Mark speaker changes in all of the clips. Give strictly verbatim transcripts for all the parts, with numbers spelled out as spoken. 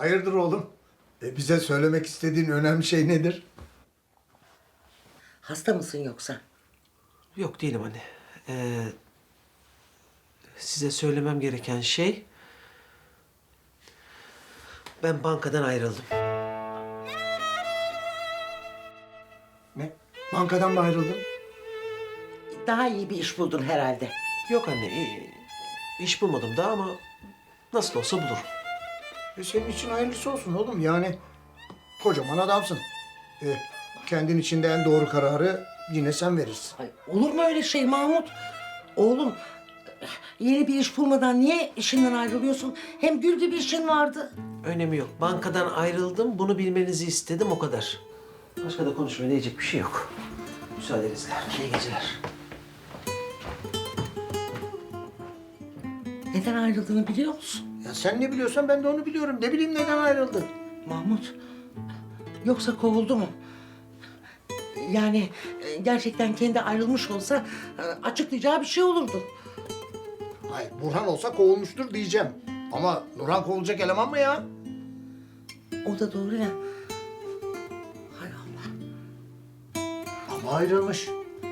Speaker 1: Hayırdır oğlum? E, bize söylemek istediğin önemli şey nedir?
Speaker 2: Hasta mısın yoksa?
Speaker 3: Yok değilim anne. Ee, size söylemem gereken şey... Ben bankadan ayrıldım.
Speaker 1: Ne? Bankadan mı ayrıldın?
Speaker 2: Daha iyi bir iş buldun herhalde.
Speaker 3: Yok anne, i- iş bulmadım daha ama nasıl olsa bulurum.
Speaker 1: E, senin için hayırlısı olsun oğlum. Yani kocaman adamsın. E, kendin için de en doğru kararı yine sen verirsin.
Speaker 2: Ay, olur mu öyle şey Mahmut? Oğlum, yeni bir iş bulmadan niye işinden ayrılıyorsun? Hem gül gibi işin vardı.
Speaker 3: Önemi yok. Bankadan ayrıldım, bunu bilmenizi istedim o kadar. Başka da konuşmaya diyecek bir şey yok. Müsaadenizle. İyi geceler.
Speaker 2: Neden ayrıldığını biliyor musun?
Speaker 1: Ya sen ne biliyorsan ben de onu biliyorum. Ne bileyim neden ayrıldın?
Speaker 2: Mahmut, yoksa kovuldu mu? Yani e, gerçekten kendi ayrılmış olsa e, açıklayacağı bir şey olurdu.
Speaker 1: Hayır, Burhan olsa kovulmuştur diyeceğim. Ama Nurhan kovulacak eleman mı ya?
Speaker 2: O da doğru ya. Hay Allah.
Speaker 1: Ama ayrılmış.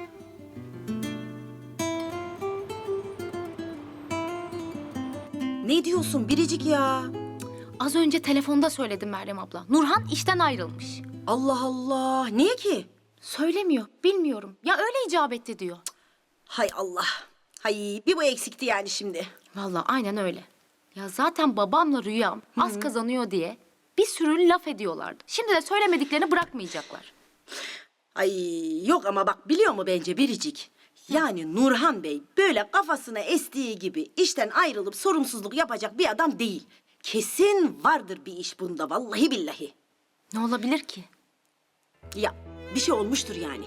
Speaker 4: Ne diyorsun Biricik ya?
Speaker 5: Az önce telefonda söyledim Meryem abla. Nurhan işten ayrılmış.
Speaker 4: Allah Allah. Niye ki?
Speaker 5: Söylemiyor, bilmiyorum. Ya öyle icap etti diyor.
Speaker 4: Hay Allah. Hay bir bu eksikti yani şimdi.
Speaker 5: Vallahi aynen öyle. Ya zaten babamla Rüyam az kazanıyor diye bir sürü laf ediyorlardı. Şimdi de söylemediklerini bırakmayacaklar.
Speaker 4: Ay yok ama bak biliyor mu bence Biricik? Yani Nurhan Bey böyle kafasına estiği gibi işten ayrılıp sorumsuzluk yapacak bir adam değil. Kesin vardır bir iş bunda vallahi billahi.
Speaker 5: Ne olabilir ki?
Speaker 4: Ya bir şey olmuştur yani.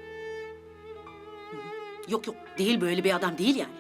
Speaker 4: Hı hı. Yok yok değil böyle bir adam değil yani.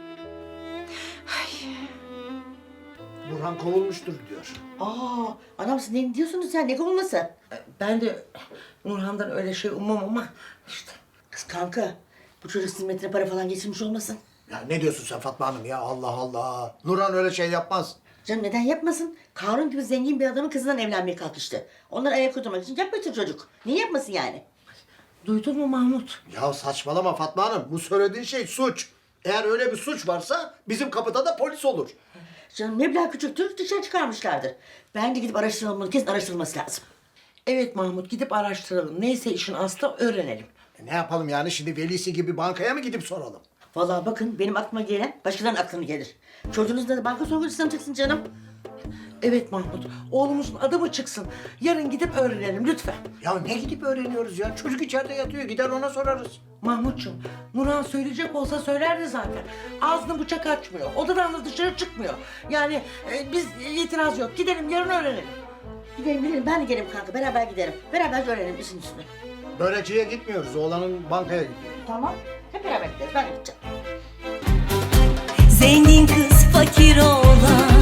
Speaker 1: Burhan kovulmuştur diyor.
Speaker 2: Aa, anamsın ne diyorsunuz sen? Ne kovulması? E, Ben de Nurhan'dan öyle şey ummam ama işte. Kız kanka, bu çocuk hizmetine para falan geçirmiş olmasın?
Speaker 1: Ya ne diyorsun sen Fatma Hanım ya? Allah Allah. Nurhan öyle şey yapmaz.
Speaker 2: Canım neden yapmasın? Karun gibi zengin bir adamın kızından evlenmeye kalkıştı. Onları ayak uydurmak için yapmıştır çocuk. Niye yapmasın yani? Duydun mu Mahmut?
Speaker 1: Ya saçmalama Fatma Hanım. Bu söylediğin şey suç. Eğer öyle bir suç varsa bizim kapıda da polis olur.
Speaker 2: Canım meblağ küçüktür, dışarı çıkarmışlardır. Bence gidip araştıralım bunu, kesin araştırılması lazım. Evet Mahmut, gidip araştıralım. Neyse işin aslı öğrenelim.
Speaker 1: E ne yapalım yani şimdi velisi gibi bankaya mı gidip soralım?
Speaker 2: Vallahi bakın benim aklıma gelen başkalarının aklına gelir. Çocuğunuz da banka soyguncusundan çıksın canım. Evet Mahmut, oğlumuzun adı mı çıksın? Yarın gidip öğrenelim lütfen.
Speaker 1: Ya ne gidip öğreniyoruz ya? Çocuk içeride yatıyor. Gider ona sorarız.
Speaker 2: Mahmutcuğum, Nurhan söyleyecek olsa söylerdi zaten. Ağzını bıçak açmıyor, odadan da dışarı çıkmıyor. Yani e, biz itiraz yok, gidelim yarın öğrenelim. Gidelim gidelim, ben de gelirim kanka, beraber giderim. Beraber öğrenelim işin üstüne.
Speaker 1: Börekçiye gitmiyoruz. Oğlanın bankaya gidiyor.
Speaker 2: Tamam, hep beraber gideriz, ben de gideceğim.
Speaker 6: Zengin kız fakir oğlan